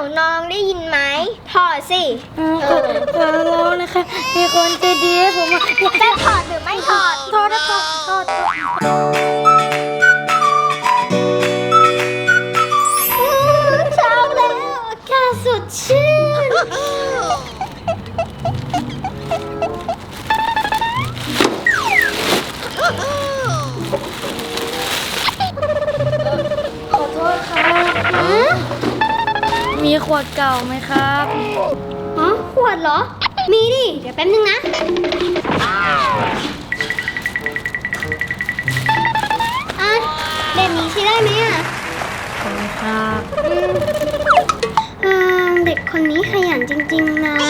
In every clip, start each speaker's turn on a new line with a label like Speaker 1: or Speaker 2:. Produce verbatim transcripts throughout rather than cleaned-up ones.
Speaker 1: าวน้องได้ยินไหมถอดสิ
Speaker 2: เออขอขอร้องนะคะมีคนใจดีให้ผมว่า
Speaker 1: จะถอดหรือไม่ถอด
Speaker 2: ถอดนะถอดถอด
Speaker 1: เช้าแล้วอากาศสดชื่น
Speaker 2: ขอโทษครับมีขวดเก่าไหมครับ
Speaker 1: อ๋อขวดเหรอมีดิเดี๋ยวแป๊บนึงนะอ่ะเด็กนี้ใช้ได้ไหมอ่ะ
Speaker 2: ขอบคุณครับ
Speaker 1: อืมเด็กคนนี้ขยันจริงๆนะ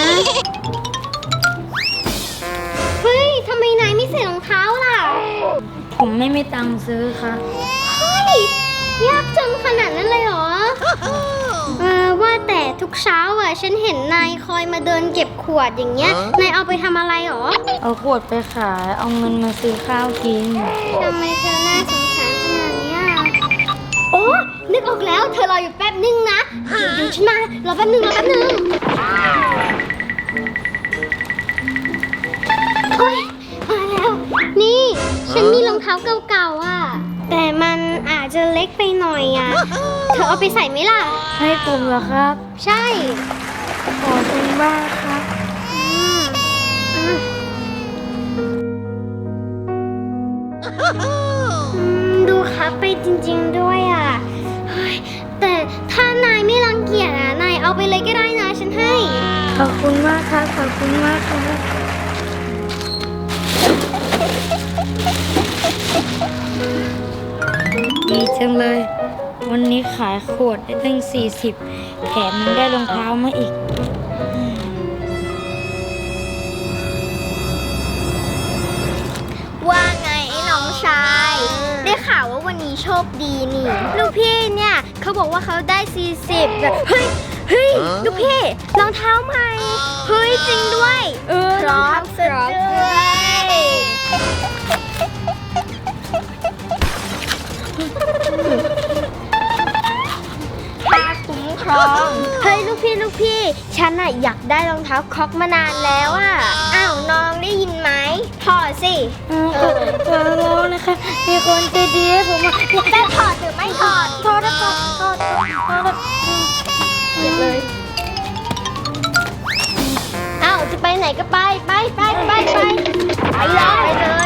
Speaker 1: เฮ้ยทำไมนายไม่ใส่รองเท้าล่ะ
Speaker 2: ผมไม่มีตังค์ซื้อครับ
Speaker 1: เฮ้ยยากจนขนาดนั้นเลยเหรอเออว่าแต่ทุกเช้าอ่ะฉันเห็นนายคอยมาเดินเก็บขวดอย่างเงี้ยนายเอาไปทำอะไรหรอ
Speaker 2: เอาขวดไปขายเอาเงินมาซื้อข้าวกิน
Speaker 1: ทำไมเธอน่าสงสารขนาดนี้โอ้นึกออกแล้วเธอรออยู่แป๊บนึงนะเดี๋ยวฉันมารอแป๊บนึงรอแป๊บนึงโอ๊ยมาแล้วนี่ฉันมีรองเท้าเก่าๆอ่ะแต่มันอาจจะเล็กไปหน่อยอ่ะเธอเอาไปใส่ไหมล่ะ
Speaker 2: ให้ผมเหรอครับ
Speaker 1: ใช่
Speaker 2: ขอคุณมากครับ
Speaker 1: ดูครับไปจริงๆด้วยอ่ะแต่ถ้านายไม่รังเกียจอ่ะนายเอาไปเลยก็ได้นะฉันให้
Speaker 2: ขอบคุณมากครับขอบคุณมากครับดีจังเลยวันนี้ขายขวดได้ตั้งสี่สิบแถมยังได้รองเท้ามาอีก
Speaker 1: ว่าไงไอ้น้องชายได้ข่าวว่าวันนี้โชคดีนี่ลูกพี่เนี่ยเขาบอกว่าเขาได้สี่สิบแบบเฮ้ยเฮ้ยลูกพี่รองเท้าใหม่เฮ้ยจริงด้วย
Speaker 2: เออ
Speaker 1: พร้อมสุดด้วยตาคุ้มครองเฮ้ยลูกพี่ลูกพี่ฉันอะอยากได้รองเท้าคร็อกมานานแล้วอะอ้าวน้องได้ยินไหมถอดสิ
Speaker 2: เออขอร้องนะคะมีคนใจดีให้ผมว่า
Speaker 1: จะถอดหรือไม่ถอด
Speaker 2: ถอดนะถอดถอดถอด
Speaker 1: เก็บเลยอ้าวจะไปไหนก็ไปไปไปไปไปไปเลยไปเลย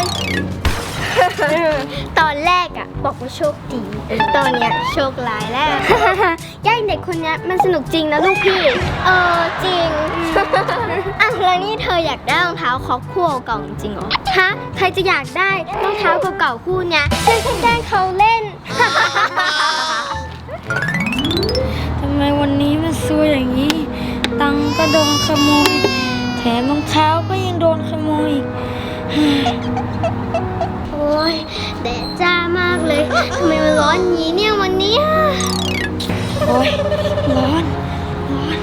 Speaker 1: ตอนแรกอะบอกว่าโชคดีตอนเนี้ยโชคร้ายแล้วย่าเด็กคนนี้มันสนุกจริงนะลูกพี่เออจริงอ่ะแล้วนี่เธออยากได้รองเท้าคอกคู่เก่าจริงเหรอฮะใครจะอยากได้รองเท้าเก่าๆคู่เนี้ยฉันแค่แกล้งเขาเล่น
Speaker 2: ทำไมวันนี้มันซวยอย่างนี้ตังก็โดนขโมยแถมรองเท้าก็ยังโดนขโมย
Speaker 1: โอ้ยแดดจ้ามากเลยทำไมมันร้อนอย่างนี้เนี่ยวันนี้
Speaker 2: โอ้ยร้อนร้อน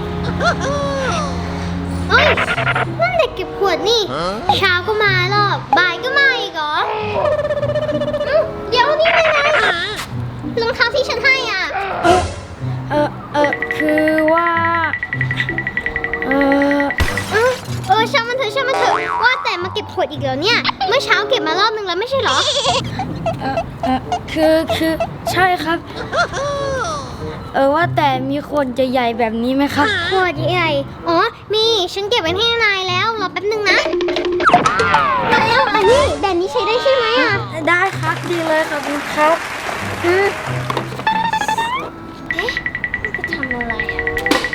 Speaker 1: เอ้ยนั่นเด็กเก็บขวดนี่เช้าก็มาหรอกบ่ายก็มาอีกเหรอเดี๋ยวนี่เป็นไงรองเท้าที่ฉันให้อ่ะ
Speaker 2: เออเออเออคือว่าเออ
Speaker 1: เออช่างมันเถอะช่างมันเถอะว่าแต่มาเก็บขวดอีกแล้วเนี่ยเมื่อเช้าเก็บมารอบนึงแล้วไม่ใช่เหรอ
Speaker 2: เออเออคือคือใช่ครับเออว่าแต่มีขวดใหญ่ๆแบบนี้ไหมครับ
Speaker 1: ขวดใหญ่อ๋อมีฉันเก็บไว้ให้นายแล้วรอแป๊บนึงนะแล้วอันนี้แดนนี้ใช้ได้ใช่ไหมอ่ะ
Speaker 2: ได้ครับดีเลยขอบคุณครับ
Speaker 1: อืมเอ๊ะจะทำอะไรอ่ะ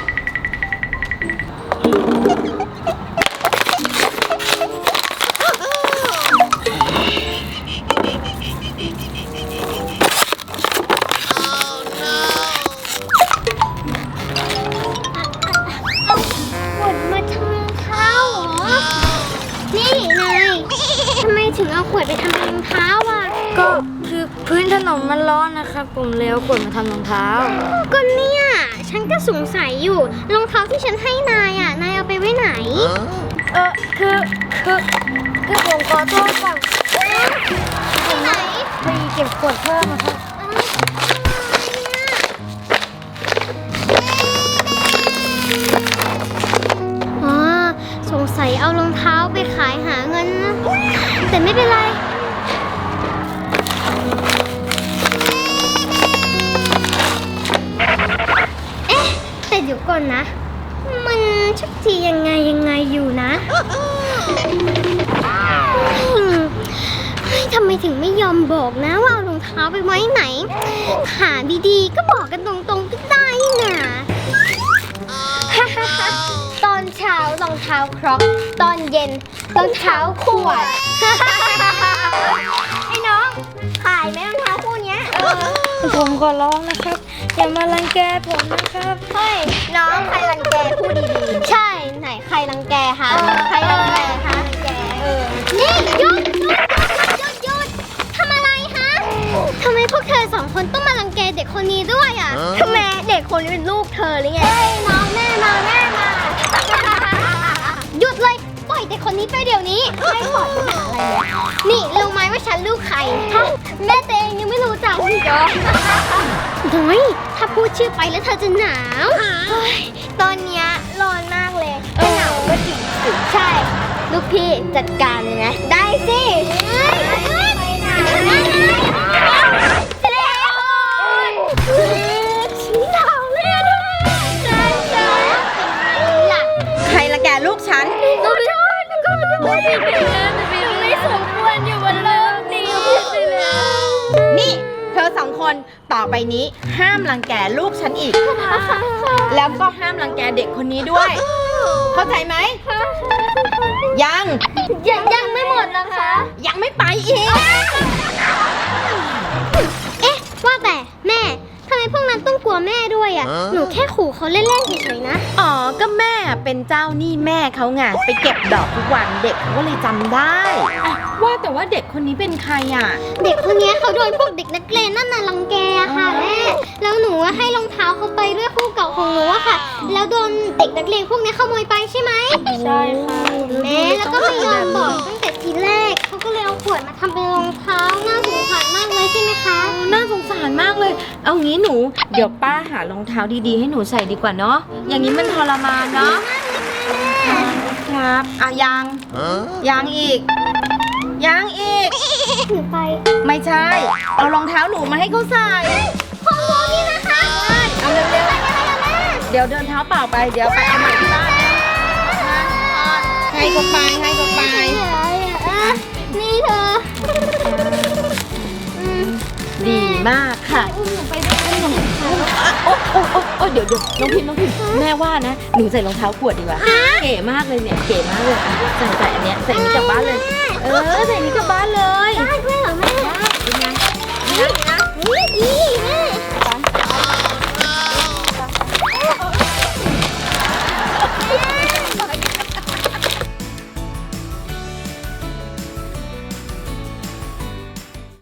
Speaker 1: ถึงเอาขวดไปทำรองเท้าอ่ะ
Speaker 2: ก็คือพื้นถนนมันร้อนนะครับผมเลยเอาขวดมาทำรองเท้า
Speaker 1: ก็เนี่ยฉันก็สงสัยอยู่รองเท้าที่ฉันให้นายอ่ะนายเอาไปไว้ไหน
Speaker 2: เออคือคือคือผมขอโทษก่อน
Speaker 1: ไปไหน
Speaker 2: ไปเก็บขวดเพิ่มนะครับ
Speaker 1: อ๋อสงสัยเอารองเท้าไปขายหาเงินนะ แต่ไม่เป็นไร เอ๊ะ แต่เดี๋ยวก่อนนะ มันชักทียังไงยังไงอยู่นะอืมเฮ้ยทำไมถึงไม่ยอมบอกนะว่าเอารองเท้าไปไว้ไหน หาดีๆก็บอกกันตรงๆก็ได้นะ ตอนเช้ารองเท้าครอกตอนเย็นรองเท้าขวด ไอ้น้องขายไหมรองเท้าคู่เนี้ยเออ
Speaker 2: ผมขอร้องนะครับ อย่ามารังแกผมนะครับ
Speaker 1: เฮ้ยน้องใครรังแกพูดดีๆใช่ไหนใครรังแกคะใครรังแกคะเออนี่หยุดหยุดหยุดหยุดทำอะไรคะทำไมพวกเธอสองคนต้องมารังแกเด็กคนนี้ด้วยอ่ะทำไมเด็กคนนี้เป็นลูกเธอหรือไงเฮ้ยน้องแม่มาแม่มา หยุดเลยปล่อยเด็กคนนี้ไปเดี๋ยวนี้ไม่ปล่อยปัญหาอะไรเลยนี่รู้ไหมว่าฉันลูกใครฮะแม่ตัวเองยังไม่รู้จักอีกเหรอน้อยถ้าพูดชื่อไปแล้วเธอจะหนาวเฮ้ยตอนเนี้ยร้อนมากเลยจะหนาวก็จริงสิใช่ ลูกพี่จัดการเลยนะได้สิไปไหนเจ๊ชี้หนาวเลยอะใช่ใช่หลัก
Speaker 3: ใครละแกลูกฉัน
Speaker 1: ก็ไม่ได้ก็ไม่ได้ผิดไปแล้วไม่สมควรอยู่บนโลกนี้ผิดไปแล้ว
Speaker 3: นี่เธอสองคนต่อไปนี้ห้ามรังแกลูกฉันอีก แล้วก็ห้ามรังแกเด็กคนนี้ด้วย เข้าใจไหม ยัง
Speaker 1: ยังยังไม่หมดนะคะ
Speaker 3: ยังไม่ไปอีก
Speaker 1: เอ๊ะ ว่าแต่แม่ทำไมพวกนั้นต้องกลัวแม่ด้วยอ่ะ หนูแค่ขู่เขาเล่นๆเฉยๆนะ
Speaker 3: อ๋อ ก็แม่เป็นเจ้าหนี้แม่เขาไงไปเก็บดอกทุกวันเด็กเขาก็เลยจำได้อะว่าแต่ว่าเด็กคนนี้เป็นใครอ่ะ
Speaker 1: เด็กคนนี้เขาโดนพวกเด็กนักเรียนนั่นน่ะรังแกอะค่ะแม่ แล้วหนูอะให้รองเท้าเขาไปด้วยคู่เก่าของหนูอะค่ะ แล้วโดนเด็กนักเรียนพวกนี้ขโมยไปใช่ไหม
Speaker 2: ใช่ค่ะ
Speaker 1: แม่แล้วก็ไม่ยอมบอกตั้งแต่ทีแรกเขาก็เลยเอาขวดมาทำเป็นรองเท้าน่าสงสารมากเลยใช่ไหมคะ
Speaker 3: น่าสงสารมากเลย เอางี้หนู เดี๋ยวป้าหารองเท้าดีๆให้หนูใส่ดีกว่าเนาะ อย่างนี้มันทรมานเนาะ ครับอ่ะยัง ยังอีก ยังอีก
Speaker 1: ถือไป
Speaker 3: ไม่ใช่ เอารองเท้าหนูมาให้เขาใส่
Speaker 1: ของหนูนี่นะคะ
Speaker 3: เอาเร็วๆ เดี๋ยวเดินเท้าเปล่าไป เดี๋ยวไปเอาใหม่ที่บ้านนะให้เขาไปให้เขาไป
Speaker 1: นี่เธออืม
Speaker 3: ดีมากค่ะ
Speaker 1: อุ้มหนูไปด้วยอุ้มหนูไปด้วย
Speaker 3: โอ้โอ้โอ้โอ้เดี๋ยวเดี๋ยวน้องพิมน้องพิมแม่ว่านะ หนูใส่รองเท้าขวดดีกว่า เก๋มากเลยเนี่ย เก๋มากเลยอ่ะใส่ใส่อันเนี้ย ใส่นี้กลับบ้านเลย เออ ใส่นี้กลับบ้าน